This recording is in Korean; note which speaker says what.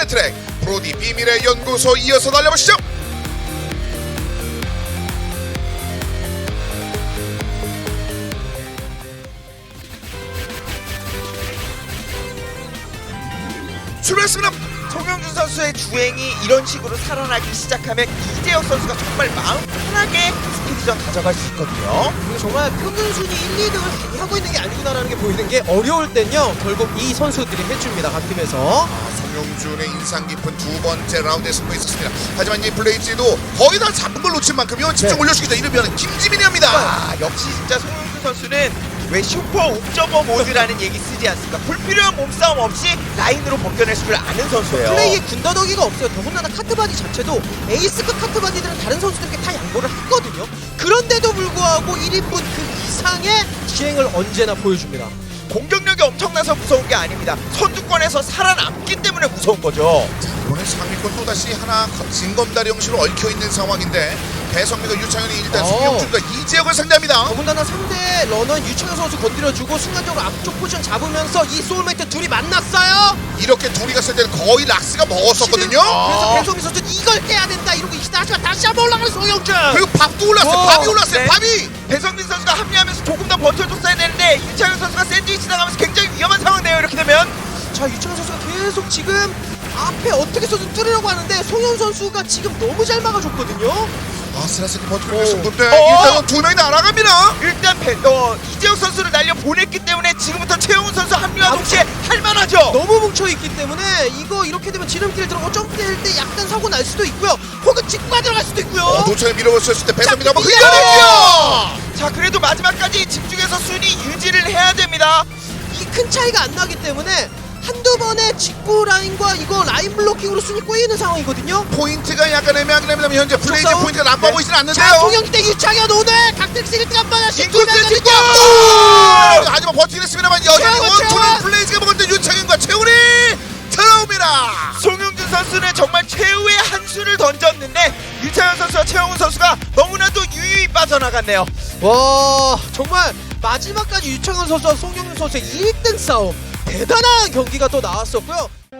Speaker 1: 트랙 브로디 비밀의 연구소 이어서 달려보시죠. 출발했습니다.
Speaker 2: 송영준 선수의 주행이 이런 식으로 살아나기 시작하면 이재혁 선수가 정말 마음 편하게 스피드전 가져갈 수 있거든요.
Speaker 3: 그리고 정말 평균 순위 1, 2등을 하고 있는 게 아니구나라는 게 보이는 게 어려울 땐요 결국 이 선수들이 해줍니다. 각 팀에서.
Speaker 1: 송영준의 인상 깊은 두 번째 라운드에 승부 있었습니다. 하지만 이 블레이즈도 거의 다 잡은 걸 놓친 만큼요 집중 올려주기죠. 이르면 김지민이합니다.
Speaker 2: 아, 역시 진짜 송영준 선수는 왜 슈퍼 옵저버 모드라는 얘기 쓰지 않습니까? 불필요한 몸싸움 없이 라인으로 벗겨낼 줄 아는 선수예요.
Speaker 3: 플레이에 군더더기가 없어요. 더군다나 카트바디 자체도 에이스급 카트바디들은 다른 선수들에게 다 양보를 했거든요. 그런데도 불구하고 1인분 그 이상의 기행을 언제나 보여줍니다.
Speaker 2: 공격력이 엄청나서 무서운 게 아닙니다. 선두권에서 살아남기 때문에 무서운 거죠.
Speaker 1: 이번에 상위권 또다시 하나 징검다리 형식으로 얽혀있는 상황인데 배성민과 유창현이 일단 송영준과 이재혁을 상대합니다.
Speaker 3: 더군다나 상대 러너 유창현 선수 건드려주고 순간적으로 앞쪽 포지션 잡으면서 이 소울메이트 둘이 만났어요.
Speaker 1: 이렇게 둘이 갔을 때는 거의 락스가 먹었었거든요.
Speaker 3: 그래서 배성민 선수 이걸 깨야 된다 이러고 있다. 하지만 다시 한번 올라가는 송영준.
Speaker 1: 그리고 밥도 올랐어요. 밥이 올랐어요.
Speaker 2: 네.
Speaker 1: 밥이.
Speaker 2: 배성민 선수가 합류하면서 조금 더 버텨줬어야 되는데 유창현 선수가 샌드위치 나가면서 굉장히 위험한 상황이네요. 이렇게 되면
Speaker 3: 자, 유창현 선수가 계속 지금 앞에 어떻게 해서든 뚫으려고 하는데 송영 선수가 지금 너무 잘 막아줬거든요.
Speaker 1: 아슬아슬 버티고 있었는데
Speaker 2: 어.
Speaker 1: 일단은 두 명이 날아갑니다.
Speaker 2: 일단 이재혁 선수를 날려 보냈기 때문에 지금부터 최영훈 선수 합류와 동시에 할만하죠.
Speaker 3: 너무 뭉쳐있기 때문에 이거 이렇게 되면 지름길 들어가고 점프할 때 약간 사고 날 수도 있고요. 혹은 직구가 들어갈 수도 있고요.
Speaker 1: 도처에 밀어버렸을 때 배성민이 한번
Speaker 3: 자,
Speaker 1: 흘려냈죠.
Speaker 2: 자, 그래도 마지막까지 집중해서 순위 유지를 해야 됩니다.
Speaker 3: 이 큰 차이가 안 나기 때문에 한두 번의 직구 라인과 이거 라인 블로킹으로 순위 꼬이는 상황이거든요.
Speaker 1: 포인트가 약간 애매하긴 합니다만 현재 블레이즈
Speaker 3: 싸움?
Speaker 1: 포인트가 나빠
Speaker 2: 네.
Speaker 1: 보이진
Speaker 3: 자,
Speaker 1: 않는데요.
Speaker 3: 송영준 대 유창현 오늘 각택스 1등 한 번에
Speaker 1: 인코스 직구! 하지만 버티긴 했습니다만 여전히
Speaker 3: 최원,
Speaker 1: 원투는
Speaker 3: 최원!
Speaker 1: 블레이즈가 먹었는데 윤창현과 최훈이 들어옵니다.
Speaker 2: 송영준 선수는 정말 최후의 한 수를 던졌는데 유창현 선수와 최영훈 선수가 너무나도 유유히 빠져나갔네요.
Speaker 3: 와, 정말 마지막까지 유창현 선수와 송영준 선수의 1등 싸움 대단한 경기가 또 나왔었고요.